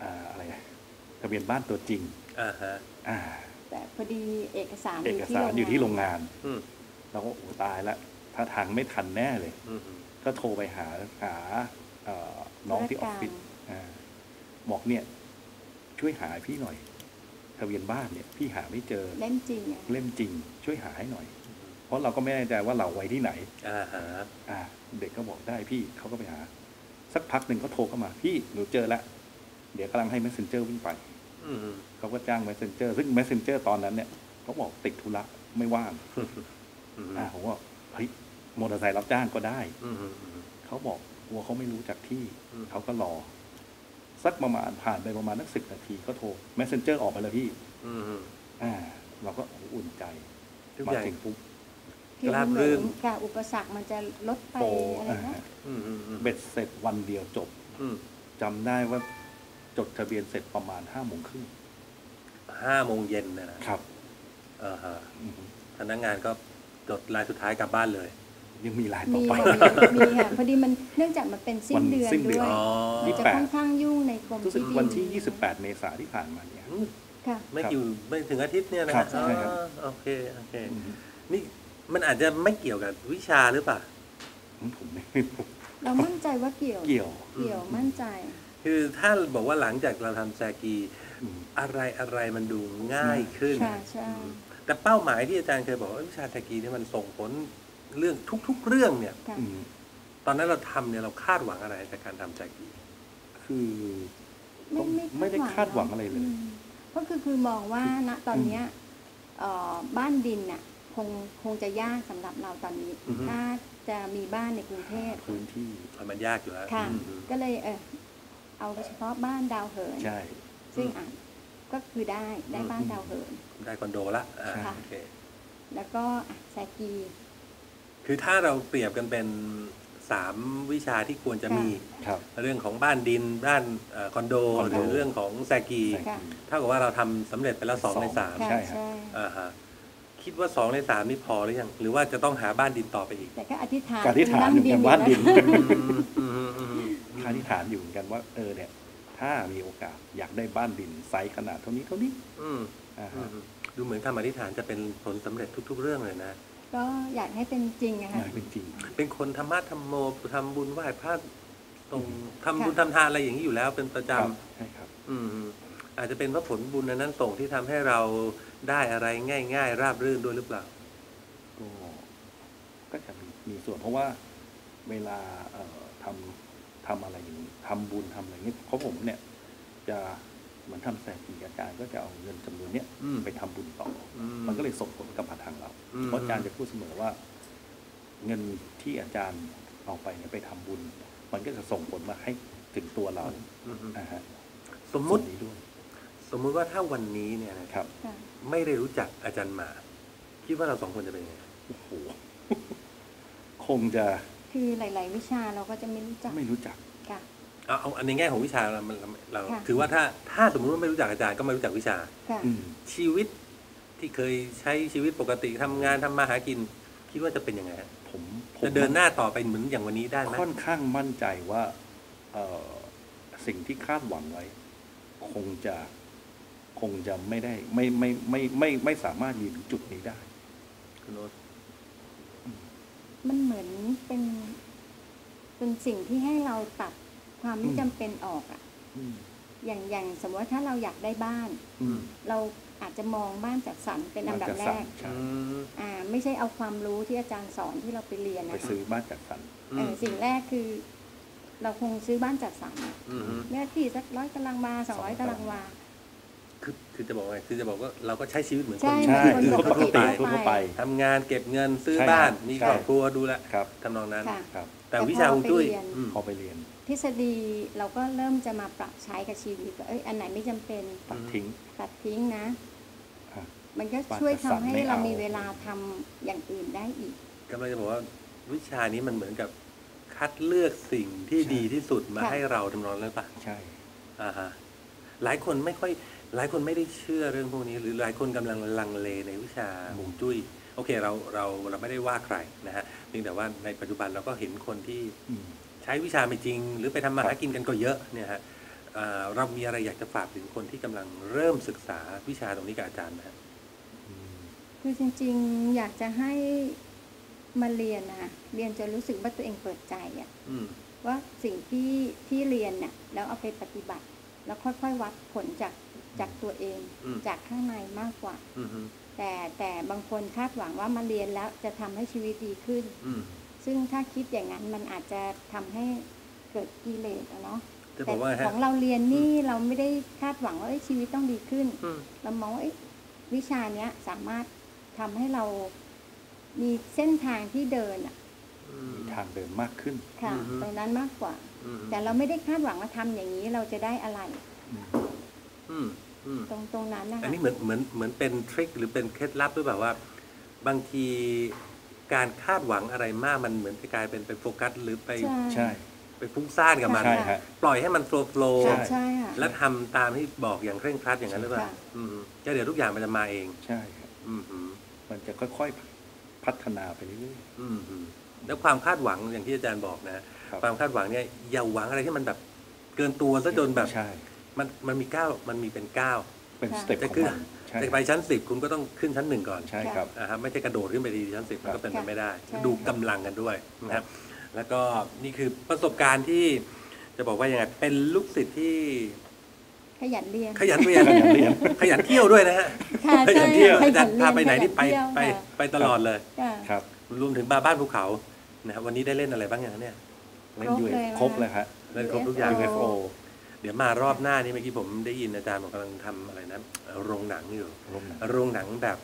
[SPEAKER 2] อะไรทะเบียนบ้านตัวจริง
[SPEAKER 1] อ่าฮะ
[SPEAKER 2] อ่า
[SPEAKER 3] แต่พอดีเอกสาร
[SPEAKER 2] เอกสารอยู่ที่โรงงาน
[SPEAKER 1] อืม
[SPEAKER 2] เราก็โอ้ตายละถ้าทางไม่ทันแน่เลย
[SPEAKER 1] อืม
[SPEAKER 2] ก็โทรไปหาน้องที่ออฟฟิศบอกเนี่ย ช่วยหาให้พี่หน่อย ทะเบียนบ้านเนี่ย พี่หาไม่เจอ
[SPEAKER 3] เล่มจริงอะ
[SPEAKER 2] เล่มจริง ช่วยหาให้หน่อย เพราะเราก็ไม่แน่ใจว่าเราไว้ที่ไหน
[SPEAKER 1] อ่าฮะ
[SPEAKER 2] เด็กก็บอกได้พี่เขาก็ไปหา สักพักหนึ่งเขาโทรเข้ามา พี่หนูเจอแล้วเดี๋ยวกำลังให้ messenger วิ่งไป
[SPEAKER 1] อืม
[SPEAKER 2] เขาก็จ้าง messenger ซึ่ง messenger ตอนนั้นเนี่ยเขาบอกติดธุระไม่ว่าง
[SPEAKER 1] อืม
[SPEAKER 2] ผมว่าเฮ้ยมอเตอร์ไซค์รับจ้างก็ได้
[SPEAKER 1] อืม
[SPEAKER 2] เขาบอกกลัวเขาไม่รู้จักที่
[SPEAKER 1] อืม
[SPEAKER 2] เขาก็รอ สักประมาณผ่านไปประมาณนัก10 นาทีก็โทร messenger ออกไปแล้วพี่
[SPEAKER 1] อืม
[SPEAKER 2] เราก็อุ่นใจ
[SPEAKER 1] ทุก
[SPEAKER 2] มา
[SPEAKER 1] อย่าง
[SPEAKER 2] ถึงปุ๊บ
[SPEAKER 3] คือ
[SPEAKER 1] รา
[SPEAKER 3] มัน
[SPEAKER 1] บ
[SPEAKER 3] เห
[SPEAKER 1] รื่
[SPEAKER 3] มือน นกับอุปสรรคมันจะลดไป
[SPEAKER 2] โปร
[SPEAKER 3] อะไรนะ
[SPEAKER 1] อืม
[SPEAKER 2] เบ็ดเสร็จวันเดียวจบ
[SPEAKER 1] อืม
[SPEAKER 2] จำได้ว่าจดทะเบียนเสร็จประมาณ5 โมงครึ่ง
[SPEAKER 1] 5 โมงเย็นนะครับ อ่าฮะ
[SPEAKER 2] อือฮึ
[SPEAKER 1] พนักงานก็จดรายสุดท้ายกลับบ้านเลย
[SPEAKER 2] ยังมีลายต่อ
[SPEAKER 3] มี
[SPEAKER 2] ไป
[SPEAKER 3] มีค่ะพอดีมันเนื่องจากมันเป็นสิ้นเดือน
[SPEAKER 2] วันสิ้นเดื
[SPEAKER 3] ด้
[SPEAKER 2] อน
[SPEAKER 3] วย
[SPEAKER 1] อ๋อ
[SPEAKER 3] มันจะค่อนข้างยุ่งในกรม
[SPEAKER 2] รู้สึก
[SPEAKER 3] ที่ดิน
[SPEAKER 2] วันที่ 28 เมษายนที่ผ่านมาเนี่ย
[SPEAKER 1] อืม
[SPEAKER 3] ค่ะ
[SPEAKER 1] ไม่ถึงอาทิตย์เนี่ยนะครับ
[SPEAKER 2] ใช่ครับ
[SPEAKER 1] อ๋อโอเค
[SPEAKER 2] อือฮึ
[SPEAKER 1] นี่มันอาจจะไม่เกี่ยวกับวิชาหรือเปล่า
[SPEAKER 2] ผมไม่
[SPEAKER 3] เรามั่นใจว่าเกี่ยว
[SPEAKER 2] เกี่ยว
[SPEAKER 3] มั่นใจ
[SPEAKER 1] คือถ้าบอกว่าหลังจากเราทำแซกี
[SPEAKER 2] อืม
[SPEAKER 1] อะไรมันดูง่ายขึ้น
[SPEAKER 3] ค่ะใช่
[SPEAKER 1] แต่เป้าหมายที่อาจารย์เคยบอกว่าวิชาแซกีเนี่ยมันส่งผลเรื่องทุกๆเรื่องเนี่ย
[SPEAKER 3] ค่ะ
[SPEAKER 2] อืม
[SPEAKER 1] ตอนนั้นเราทำเนี่ยเราคาดหวังอะไรจากการทำแซกี
[SPEAKER 2] คือต้องไม่ได้คาดหวังอะไรเลย
[SPEAKER 3] ก็คือมองว่าณตอนเนี้ยบ้านดินน่ะคงจะยากสำหรับเราตอนนี้
[SPEAKER 1] อือฮึ
[SPEAKER 3] ถ้าจะมีบ้านในกรุงเทพ
[SPEAKER 2] พื้นที่
[SPEAKER 1] มันยากอยู่แล้ว
[SPEAKER 3] ค่ะ
[SPEAKER 1] อืม
[SPEAKER 3] ก็เลยเอาเฉพาะบ้านดาวเหิน
[SPEAKER 2] ใช่
[SPEAKER 3] ซึ่งก็คือได้บ้านดาวเหิน
[SPEAKER 1] ได้คอนโดละ
[SPEAKER 3] ค่ะ
[SPEAKER 1] โอเค
[SPEAKER 3] แล้วก็แซกี
[SPEAKER 1] คือถ้าเราเปรียบกันเป็น3 วิชาที่ควรจะมี
[SPEAKER 2] ครับ
[SPEAKER 1] เรื่องของบ้านดินบ้านคอนโด
[SPEAKER 2] คอน
[SPEAKER 1] ห
[SPEAKER 2] โด
[SPEAKER 1] รือเรื่องของแซกี
[SPEAKER 3] ค่ะ
[SPEAKER 1] เท่ากับว่าเราทำสำเร็จไปแล้ว2 ใน
[SPEAKER 3] ค่ะ
[SPEAKER 2] ใช่ครับ
[SPEAKER 3] ใช่
[SPEAKER 1] 3อ่าฮะคิดว่า2 ใน 3นี่พอหรือยังหรือว่าจะต้องหาบ้านดินต่อไปอีก
[SPEAKER 3] แต่ก็อธิษฐาน
[SPEAKER 2] การที่ฐานอยู่กันบ้านดิน
[SPEAKER 1] อืม
[SPEAKER 2] อธิษฐานอยู่เหมือนกันว่าเนี่ย ถ้ามีโอกาสอยากได้บ้านดินไซส์ขนาดเท่านี้
[SPEAKER 1] อืม
[SPEAKER 2] อ่า
[SPEAKER 1] อื
[SPEAKER 2] ฮะ
[SPEAKER 1] มดูเหมือนคำอธิษฐานจะเป็นผลสำเร็จทุก ๆ เรื่องเลยนะ
[SPEAKER 3] ก็อยากให้เป็นจริงอะ
[SPEAKER 2] อ
[SPEAKER 3] ค่ะ
[SPEAKER 2] ยากเป็นจริง
[SPEAKER 1] เป็นคนธรรมะธรรมโมทำบุญไหว้พระตรงทำ
[SPEAKER 3] ค่ะ
[SPEAKER 1] บุญทำทานอะไรอย่างนี้อยู่แล้วเป็นประจ
[SPEAKER 2] ครับใช่ครับ
[SPEAKER 1] ำอาจจะเป็นเพราะผลบุญอันนั้นส่งที่ทำให้เราได้อะไรง่าย ๆ ราบรื่นด้วยหรือเปล่า
[SPEAKER 2] ก็จะมีส่วนเพราะว่าเวลาทำอะไรอย่างนี้ทำบุญทำอะไรอย่างนี้เพราะผมเนี่ย จะเหมือนทำแสนปีอาจารย์ก็จะเอาเงินจำนวนเนี้ย
[SPEAKER 1] อืม
[SPEAKER 2] ไปทำบุญต่ออ
[SPEAKER 1] อืม
[SPEAKER 2] มันก็เลยส่งผลกับมาทางเรา
[SPEAKER 1] อืม
[SPEAKER 2] เพราะอาจารย์จะพูดเสมอว่า เงินที่อาจารย์เอาไปเนี่ยไปทำบุญ มันก็จะส่งผลมาให้ถึงตัวเรา
[SPEAKER 1] อืม
[SPEAKER 2] นะฮะ
[SPEAKER 1] สมมุติ
[SPEAKER 2] ส่วนนี้ด้วย
[SPEAKER 1] สมมุติว่าถ้าวันนี้เนี่ยนะครับ
[SPEAKER 3] ค่ะ
[SPEAKER 1] ไม่ได้รู้จักอาจารย์หมาคิดว่าเรา2 คนจะเป็นยังไง
[SPEAKER 2] โอ้โห คงจะ
[SPEAKER 3] คือหลาย ๆ วิชาเราก็จะไม่รู้จัก
[SPEAKER 2] ไม่รู้จัก
[SPEAKER 3] ค่ะ
[SPEAKER 1] เอาในแง่ของวิชาเรา
[SPEAKER 3] ค่ะ
[SPEAKER 1] ถือว่าถ้าสมมุติว่าไม่รู้จักอาจารย์ก็ไม่รู้จักวิชา
[SPEAKER 3] ค่ะ
[SPEAKER 2] อืม
[SPEAKER 1] ชีวิตที่เคยใช้ชีวิตปกติทำงานทำมาหากิน คิดว่าจะเป็นยังไงฮะ
[SPEAKER 2] ผม
[SPEAKER 1] จะเดินหน้าต่อไปเหมือนอย่างวันนี้ได้ไหม
[SPEAKER 2] ค่อนข้างมั่นใจว่าสิ่งที่คาดหวังไว้ คงจะไม่ได้ไม่สามารถยืนถึงจุดนี้ได้
[SPEAKER 1] คุณโน้ต
[SPEAKER 3] มันเหมือนเป็นสิ่งที่ให้เราตัดความไม่จำเป็นออกอะ
[SPEAKER 2] อืม
[SPEAKER 3] อย่างสมมติว่าถ้าเราอยากได้บ้าน
[SPEAKER 2] อืม
[SPEAKER 3] เราอาจจะมองบ้านจัดสรรเป็นอันดับแรก
[SPEAKER 2] ใช่
[SPEAKER 3] ไม่ใช่เอาความรู้ที่อาจารย์สอนที่เราไปเรียน
[SPEAKER 2] ไป
[SPEAKER 3] นะคะ
[SPEAKER 2] ซื้อบ้านจัดสรร
[SPEAKER 3] สิ่งแรกคือ เราคงซื้อบ้านจัดสรรอะ
[SPEAKER 1] อืม
[SPEAKER 3] เนื้อที่สัก100 ตารางวา200 ตารางวา
[SPEAKER 1] คือจะบอกไงคือจะบอกว่าเราก็ใช้ชีวิตเหมือนคน
[SPEAKER 3] ใช่
[SPEAKER 2] ใช่
[SPEAKER 3] เหมือนคนปกติ
[SPEAKER 2] ทั่วไป
[SPEAKER 1] ทำงานเก็บเงินซื้อ
[SPEAKER 2] ใช่
[SPEAKER 1] บ้าน
[SPEAKER 2] ครับ
[SPEAKER 1] มี
[SPEAKER 2] ใช่
[SPEAKER 1] ครอบครัวดูแล
[SPEAKER 2] ครับ
[SPEAKER 1] ทำนองนั้น
[SPEAKER 3] ค่ะ
[SPEAKER 2] ครับ
[SPEAKER 1] แต่วิชาฮวงจุ้ย
[SPEAKER 3] แต่พอไปเรียน
[SPEAKER 2] พอไปเรียน
[SPEAKER 3] ทฤษฎีเราก็เริ่มจะมาปรับใช้กับชีวิตว่าอันไหนไม่จำเป็น
[SPEAKER 2] ตัดทิ้ง
[SPEAKER 3] ตัดทิ้งนะ
[SPEAKER 2] อ่ะ
[SPEAKER 3] มันก็ช่วยทำให้
[SPEAKER 2] บ้านจัดสรรไม่
[SPEAKER 3] เรา
[SPEAKER 2] เอามี
[SPEAKER 3] มีเวลาทำอย่างอื่นได้อีก
[SPEAKER 1] กำลังจะบอกว่าวิชานี้มันเหมือนกับคัดเลือกสิ่งที่ดีที่สุดมา
[SPEAKER 3] ค่ะ
[SPEAKER 1] ให้เราทำนองนั้นปะ
[SPEAKER 2] ใช่
[SPEAKER 1] อ่าฮะหลายคนไม่ได้เชื่อเรื่องพวกนี้ หรือหลายคนกำลังลังเลในวิชาฮวงจุ้ยโอเคเราไม่ได้ว่าใครนะฮะเพียงแต่ว่าในปัจจุบันเราก็เห็นคนที่
[SPEAKER 2] อืม
[SPEAKER 1] ใช้วิชาไม่จริง หรือไปทำมาหากินกันก็เยอะเนี่ยฮะเรามีอะไรอยากจะฝากถึงคนที่กำลังเริ่มศึกษาวิชาตรงนี้กับอาจารย์ไหมครับ
[SPEAKER 3] คือจริงๆอยากจะให้มาเรียนนะเรียนจนรู้สึกว่าตัวเองเปิดใจอะ
[SPEAKER 1] อืม
[SPEAKER 3] ว่าสิ่งที่เรียนเนี่ยแล้วเอาไปปฏิบัติ แล้วค่อยๆวัดผลจากตัวเอง
[SPEAKER 1] อืม
[SPEAKER 3] จากข้างในมากกว่า
[SPEAKER 1] อืมอืม
[SPEAKER 3] แต่บางคนคาดหวังว่ามาเรียนแล้วจะทำให้ชีวิตดีขึ้น
[SPEAKER 1] อืม
[SPEAKER 3] ซึ่งถ้าคิดอย่างนั้นมันอาจจะทำให้เกิดกิเลสอะเนาะ
[SPEAKER 1] จะบ
[SPEAKER 3] แต่
[SPEAKER 1] อกว่า
[SPEAKER 3] ข
[SPEAKER 1] ฮะ
[SPEAKER 3] องเราเรียนนี่เราไม่ได้คาดหวังว่าชีวิตต้องดีขึ้น
[SPEAKER 1] อืม
[SPEAKER 3] เรามองว่าวิชาเนี้ยสามารถทำให้เรามีเส้นทางที่เดินอะ
[SPEAKER 1] อืม
[SPEAKER 2] มีทางเดินมากขึ้น
[SPEAKER 3] ค่ะ
[SPEAKER 1] อือฮึ
[SPEAKER 3] ตรงนั้นมากกว่า
[SPEAKER 1] อืม
[SPEAKER 3] แต่เราไม่ได้คาดหวังว่าทำอย่างนี้เราจะได้อะไร
[SPEAKER 2] อืม
[SPEAKER 1] อืมอืม
[SPEAKER 3] ตรงนั้นนะคะ
[SPEAKER 1] อันนี้เหมือนเป็นทริคหรือเป็นเคล็ดลับหรือแบบว่า บางทีการคาดหวังอะไรมากมันเหมือนจะกลายเป็นไปโฟกัสหรือไป
[SPEAKER 2] ใช่
[SPEAKER 1] ไปฟุ้งซ่านกับมัน
[SPEAKER 2] ใช่ฮะ
[SPEAKER 1] ปล่อยให้มันโฟล์
[SPEAKER 2] ใช่
[SPEAKER 3] ใช่ค่ะ
[SPEAKER 1] และทำตามที่บอกอย่างเคร่งครัดอย่างนั้นหรือเปล่า
[SPEAKER 3] ค่ะ
[SPEAKER 1] อืมก็เดี๋ยวทุกอย่างมันจะมาเอง
[SPEAKER 2] ใช่ครับ
[SPEAKER 1] อืมอืม
[SPEAKER 2] มันจะค่อยๆพัฒนาไปเรื่อย
[SPEAKER 1] อืมอืมแล้วความคาดหวังอย่างที่อาจารย์บอกนะ
[SPEAKER 2] ๆครับ
[SPEAKER 1] ความคาดหวังเนี่ยอย่าหวังอะไรที่มันแบบเกินตัวซะจนแบบ
[SPEAKER 2] ใช่
[SPEAKER 1] มันมีก้าวมันมีเป็นก้าว
[SPEAKER 2] เป็น
[SPEAKER 3] ค่ะ
[SPEAKER 2] สเต็ป
[SPEAKER 1] จะ
[SPEAKER 2] ของ
[SPEAKER 1] ขึ้น
[SPEAKER 2] มันใช่
[SPEAKER 1] จะไปชั้น 10 คุณก็ต้องขึ้นชั้น 1 ก่อน
[SPEAKER 2] ใช่ครับ
[SPEAKER 1] นะครับไม่ใช่กระโดดขึ้นไปที่ชั้น 10 มันก็เป็นไปไม่ได้
[SPEAKER 3] ใช่
[SPEAKER 1] ดูกำลังกันด้วยนะครับแล้วก็นี่คือประสบการณ์ที่จะบอกว่ายังไงเป็นลูกศิษย์ที่
[SPEAKER 3] ขยันเรียน
[SPEAKER 1] ขยันเรียนขยันเที่ยวด้วยนะฮะ
[SPEAKER 3] ค่ะ
[SPEAKER 1] ขยันเที่ยว
[SPEAKER 3] ใช่
[SPEAKER 1] อาจารย์พาไปไหนนี่ไป
[SPEAKER 3] ขยัเที่ยว
[SPEAKER 1] ไป
[SPEAKER 3] ค่ะ
[SPEAKER 1] ไปตลอดเลย
[SPEAKER 3] ค่ะ
[SPEAKER 2] ครับ
[SPEAKER 1] รวมถึงบ้านภูเขานะครับวันนี้ได้เล่นอะไรบ้างอย่างเนี่ย
[SPEAKER 2] เล่น
[SPEAKER 3] ครบ
[SPEAKER 2] ยู
[SPEAKER 3] เลย
[SPEAKER 2] ครบเลยฮะ
[SPEAKER 1] เล่นครบทุกอย่าง
[SPEAKER 2] UFO
[SPEAKER 1] เดี๋ยวมารอบหน้านี่เมื่อกี้ผมได้ยินอาจารย์บอกกำลังทำอะไรนะโรงหนังอยู่
[SPEAKER 2] ลมหนัก
[SPEAKER 1] โรงหนังแบบ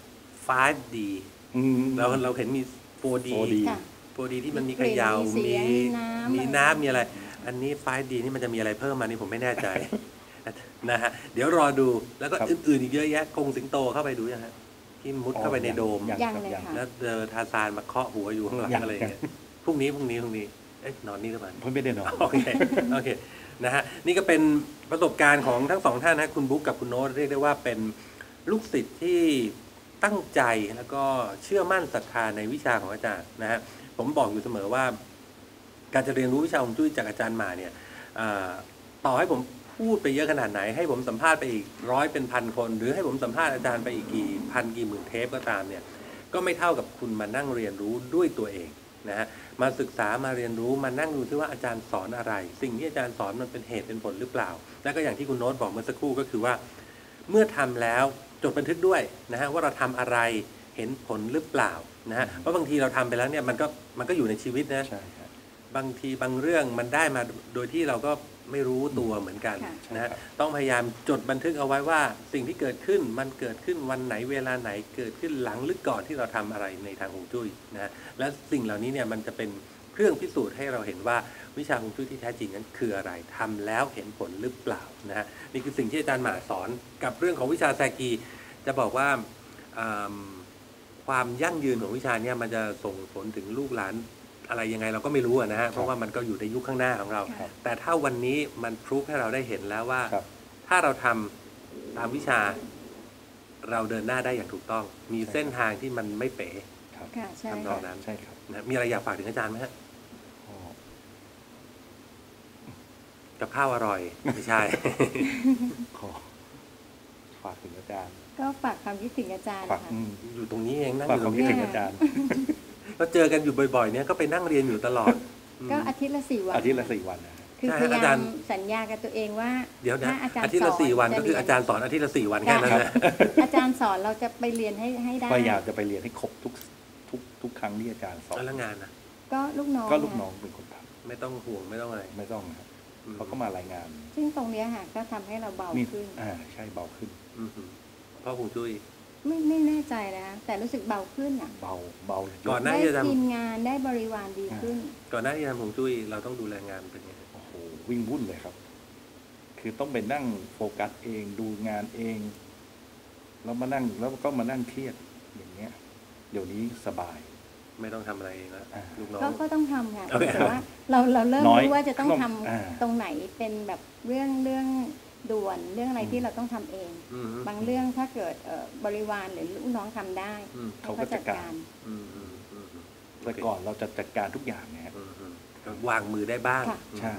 [SPEAKER 1] 5D
[SPEAKER 2] อืม
[SPEAKER 1] เราเห็นมี 4D
[SPEAKER 2] 4D
[SPEAKER 3] ค่ะ
[SPEAKER 1] 4D ที่มันมี
[SPEAKER 3] มี
[SPEAKER 1] เขยาว
[SPEAKER 3] กลิ่นมีเสียงมีน้ำ
[SPEAKER 1] มีน้ำมีอะไร อันนี้ 5D นี่มันจะมีอะไรเพิ่มมานี่ผมไม่แน่ใจ นะฮะเดี๋ยวรอดูแล้วก็
[SPEAKER 2] ครับ
[SPEAKER 1] อื่นๆอีกเยอะแยะกงสิงโตเข้าไปดูยังฮะที่มุดเข้าไปในโดม
[SPEAKER 2] ยัง
[SPEAKER 3] ยัง
[SPEAKER 2] ครับ
[SPEAKER 3] เลย
[SPEAKER 2] ยัง
[SPEAKER 3] ค่ะ
[SPEAKER 1] แล้วเจอทาซานมาเคาะหัวอยู่ข้างหลัง
[SPEAKER 2] ยัง
[SPEAKER 1] อะไรอย่างเงี้ยพรุ่งนี้เอ๊ะนอนนี่หรือเปล่า
[SPEAKER 2] เพิ่งไม่ได้นอน
[SPEAKER 1] โอเคโอเคนะฮะนี่ก็เป็นประสบการณ์ของทั้งสองท่านนะคุณบุ๊กกับคุณโน้ตเรียกได้ว่าเป็นลูกศิษย์ที่ตั้งใจแล้วก็เชื่อมั่นศรัทธาในวิชาของอาจารย์นะฮะผมบอกอยู่เสมอว่า การจะเรียนรู้วิชาฮวงจุ้ยจากอาจารย์มาเนี่ยต่อให้ผมพูดไปเยอะขนาดไหน ให้ผมสัมภาษณ์ไปอีก100เป็นพันคน หรือให้ผมสัมภาษณ์อาจารย์ไปอีกกี่พันกี่หมื่นเทปก็ตามเนี่ยก็ไม่เท่ากับคุณมานั่งเรียนรู้ด้วยตัวเองนะฮะมาศึกษามาเรียนรู้มานั่งดูที่ว่าอาจารย์สอนอะไร สิ่งที่อาจารย์สอนมันเป็นเหตุเป็นผลหรือเปล่า และก็อย่างที่คุณโน้ตบอกเมื่อสักครู่ก็คือว่า เมื่อทำแล้วจดบันทึกด้วยนะฮะว่าเราทำอะไรเห็นผลหรือเปล่านะฮะเพราะบางทีเราทำไปแล้วเนี่ยมันก็อยู่ในชีวิตนะ
[SPEAKER 2] ใช่ครับ
[SPEAKER 1] บางทีบางเรื่องมันได้มาโดยที่เราก็ไม่รู้ตัวเหมือนกัน
[SPEAKER 3] ค่ะ
[SPEAKER 1] นะฮะ
[SPEAKER 2] ใช่ครับ
[SPEAKER 1] ต้องพยายามจดบันทึกเอาไว้ว่าสิ่งที่เกิดขึ้นมันเกิดขึ้นวันไหนเวลาไหนเกิดขึ้นหลังหรือก่อนที่เราทำอะไรในทางฮวงจุ้ยนะฮะและสิ่งเหล่านี้เนี่ยมันจะเป็นเครื่องพิสูจน์ให้เราเห็นว่าวิชาฮวงจุ้ยที่แท้จริงนั้นคืออะไรทำแล้วเห็นผลหรือเปล่านะฮะนี่คือสิ่งที่อาจารย์หมาสอนกับเรื่องของวิชาแซกีจะบอกว่าความยั่งยืนของวิชาเนี่ยมันจะส่งผลถึงลูกหลานอะไรยังไงเราก็ไม่รู้นะฮะเพราะว่ามันก็อยู่ในยุคข้างหน้าของเรา
[SPEAKER 2] ครับ
[SPEAKER 1] แต่ถ้าวันนี้มันพรูฟให้เราได้เห็นแล้วว่า
[SPEAKER 2] ครับ
[SPEAKER 1] ถ้าเราทำตามวิชา เราเดินหน้าได้อย่างถูกต้อง มีเส้นทางที่มันไม่เป๋
[SPEAKER 2] ครับ
[SPEAKER 3] ค่ะใช่
[SPEAKER 1] ทำนองนั้น
[SPEAKER 2] ใช่ครับ
[SPEAKER 1] นะมีอะไรอยากฝากถึงอาจารย์ไหมฮะ
[SPEAKER 2] อ๋อ
[SPEAKER 1] กับข้าวอร่อยไม่ใช่
[SPEAKER 2] ขอฝากถึงอาจารย์
[SPEAKER 3] ก็ฝากความคิดถึงอาจารย์
[SPEAKER 2] ฝาก
[SPEAKER 3] ค่ะ
[SPEAKER 1] อยู่ตรงนี้เองนั่งอ
[SPEAKER 2] ฝาก
[SPEAKER 1] ยู่
[SPEAKER 2] ค
[SPEAKER 1] ต
[SPEAKER 2] วาม
[SPEAKER 1] รง
[SPEAKER 2] คิด
[SPEAKER 1] นี้
[SPEAKER 2] ถึ
[SPEAKER 1] เอง ง
[SPEAKER 2] อาจารย์
[SPEAKER 1] เราเจอกันอยู่บ่อยๆเนี่ยก็ไปนั่งเรียนอยู่ตลอด
[SPEAKER 3] ก็อาทิตย์ละ4 วัน
[SPEAKER 2] อาทิตย์ละ4 วันนะฮะ
[SPEAKER 3] คือ
[SPEAKER 1] ใช่
[SPEAKER 3] พยา
[SPEAKER 1] อาจาย
[SPEAKER 3] าร ม
[SPEAKER 1] ย์
[SPEAKER 3] สัญญากับตัวเองว่า
[SPEAKER 1] เดี๋ยวนะ
[SPEAKER 3] ถ้าอาจารย์
[SPEAKER 1] อาทิตย์ละ
[SPEAKER 3] สน
[SPEAKER 1] 4 วันก็คือ
[SPEAKER 3] จะ
[SPEAKER 1] อาจารย์สอนอาทิตย์ละ4 วันแค่นั้นนะ
[SPEAKER 3] อาจารย์สอนเราจะไปเรียนให้ได้
[SPEAKER 2] พยายามจะไปเรียนให้ครบทุกครั้งที่อาจารย์สอน
[SPEAKER 1] แล้วงานนะ
[SPEAKER 3] ก็ลูกน้อง
[SPEAKER 2] ก็ลูกน้องเป็นคนท
[SPEAKER 1] ไม่ต้องห่วงไม่ต้องอะไร
[SPEAKER 2] ำไม่ต้องนะครับเขาก็มารายงาน
[SPEAKER 3] ซึ่งตรงเนี้ยค่ะก็ทำให้เราเบา
[SPEAKER 2] นี่
[SPEAKER 3] ขึ้น
[SPEAKER 2] ใช่เบาขึ้น
[SPEAKER 1] อือหือเพราะฮวงจุ้ย
[SPEAKER 3] ไม่แน่ใจนะแต่รู้สึกเบาขึ้นอ่ะ
[SPEAKER 2] เบาเยะ
[SPEAKER 1] ก่อนหน้า
[SPEAKER 3] ได้
[SPEAKER 1] ที่จะท
[SPEAKER 3] ทีมงานได้บริวารดีขึ้น
[SPEAKER 1] ก่อนหน้าที่จะทำฮวงจุ้ยเราต้องดูแลงานเป็นไง
[SPEAKER 2] โอ้โหวิ่งวุ่นเลยครับ คือต้องไปนั่งโฟกัสเองดูงานเองแล้วก็มานั่งเครียดอย่างเงี้ย เดี๋ยวนี้สบาย
[SPEAKER 1] ไม่ต้องทำอะไรเองแล้ว
[SPEAKER 2] อ่า
[SPEAKER 1] ลูกน้อง
[SPEAKER 3] ก็ต้องทำค่ะ
[SPEAKER 1] โอเค
[SPEAKER 3] แต่ว่าเราเริ่ม
[SPEAKER 2] น้อย
[SPEAKER 3] รู้ว่าจะต้องทำ
[SPEAKER 2] อ่า
[SPEAKER 3] ตรงไหนเป็นแบบเรื่องด่วนเรื่องอะไรที่เราต้องทำเอง
[SPEAKER 1] อืม
[SPEAKER 3] บางเรื่องถ้าเกิดบริวารหรือลูกน้องทำได้
[SPEAKER 1] อืม
[SPEAKER 2] เขาก็จัดการ
[SPEAKER 1] อืมอืมอืม
[SPEAKER 2] แต่ก่อนเราจะจัดการทุกอย่างนะฮะ
[SPEAKER 1] อืมอืมก็วางมือได้บ้าง
[SPEAKER 3] ค่ะ
[SPEAKER 2] ใช่
[SPEAKER 1] อืมอืม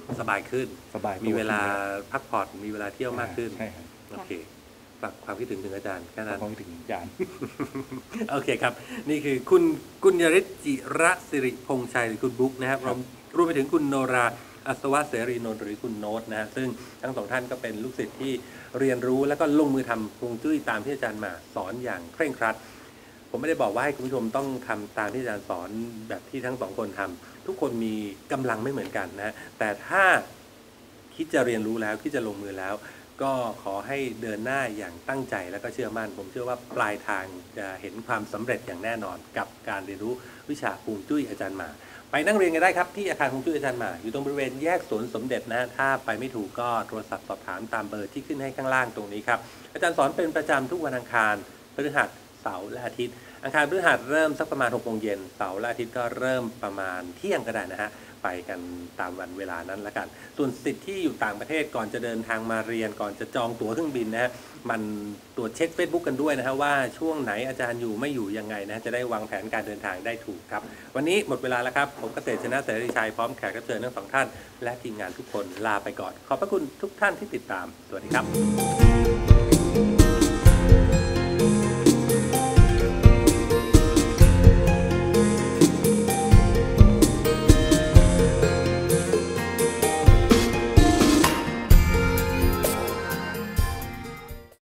[SPEAKER 1] สบายขึ้น
[SPEAKER 2] สบายตัว
[SPEAKER 1] มีเวลาพักผ่อนมีเวลาเที่ยวมากขึ้น
[SPEAKER 2] ใช่ครับ
[SPEAKER 1] โอเคฝากความคิดถึงอาจารย์แค่นั้น
[SPEAKER 2] พอไปถึงอาจารย์
[SPEAKER 1] โอเคครับ นี่คือคุณกุญยริศจิระสิริพงษ์ชัยหรือคุณบุ๊กนะครับรวมไปถึงคุณโนราอัศวะเสรีนนท์หรือคุณโน้ตนะฮะซึ่งทั้งสองท่านก็เป็นลูกศิษย์ที่เรียนรู้แล้วก็ลงมือทำฮวงจุ้ยตามที่อาจารย์มาสอนอย่างเคร่งครัด ผมไม่ได้บอกว่าให้คุณผู้ชมต้องทำตามที่อาจารย์สอนแบบที่ทั้งสองคนทำทุกคนมีกำลังไม่เหมือนกันนะแต่ถ้าคิดจะเรียนรู้แล้วคิดจะลงมือแล้ว ก็ขอให้เดินหน้าอย่างตั้งใจแล้วก็เชื่อมั่นผมเชื่อว่าปลายทางจะเห็นความสำเร็จอย่างแน่นอนกับการเรียนรู้วิชาฮวงจุ้ยอาจารย์หมาไปนั่งเรียนกันได้ครับที่อาคารฮวงจุ้ยอาจารย์หมาอยู่ตรงบริเวณแยกสวนสมเด็จนะถ้าไปไม่ถูกก็โทรศัพท์สอบถามตามเบอร์ที่ขึ้นให้ข้างล่างตรงนี้ครับอาจารย์สอนเป็นประจำทุกวันอังคารพฤหัสเสาร์และอาทิตย์อังคารพฤหัสเริ่มสักประมาณ6 โมงเย็นเสาร์และอาทิตย์ก็เริ่มประมาณเที่ยงก็ได้นะฮะไปกันตามวันเวลานั้นละกันส่วนสิทธิ์ที่อยู่ต่างประเทศก่อนจะเดินทางมาเรียนก่อนจะจองตั๋วเครื่องบินนะฮะมันตรวจเช็ค Facebook กันด้วยนะฮะว่าช่วงไหนอาจารย์อยู่ไม่อยู่ยังไงนะจะได้วางแผนการเดินทางได้ถูกครับวันนี้หมดเวลาแล้วครับผมเกษตรชนะเสรีชัยพร้อมแขกรับเชิญทั้งสองท่านและทีมงานทุกคนลาไปก่อนขอบพระคุณทุกท่านที่ติดตามสวัสดีครับ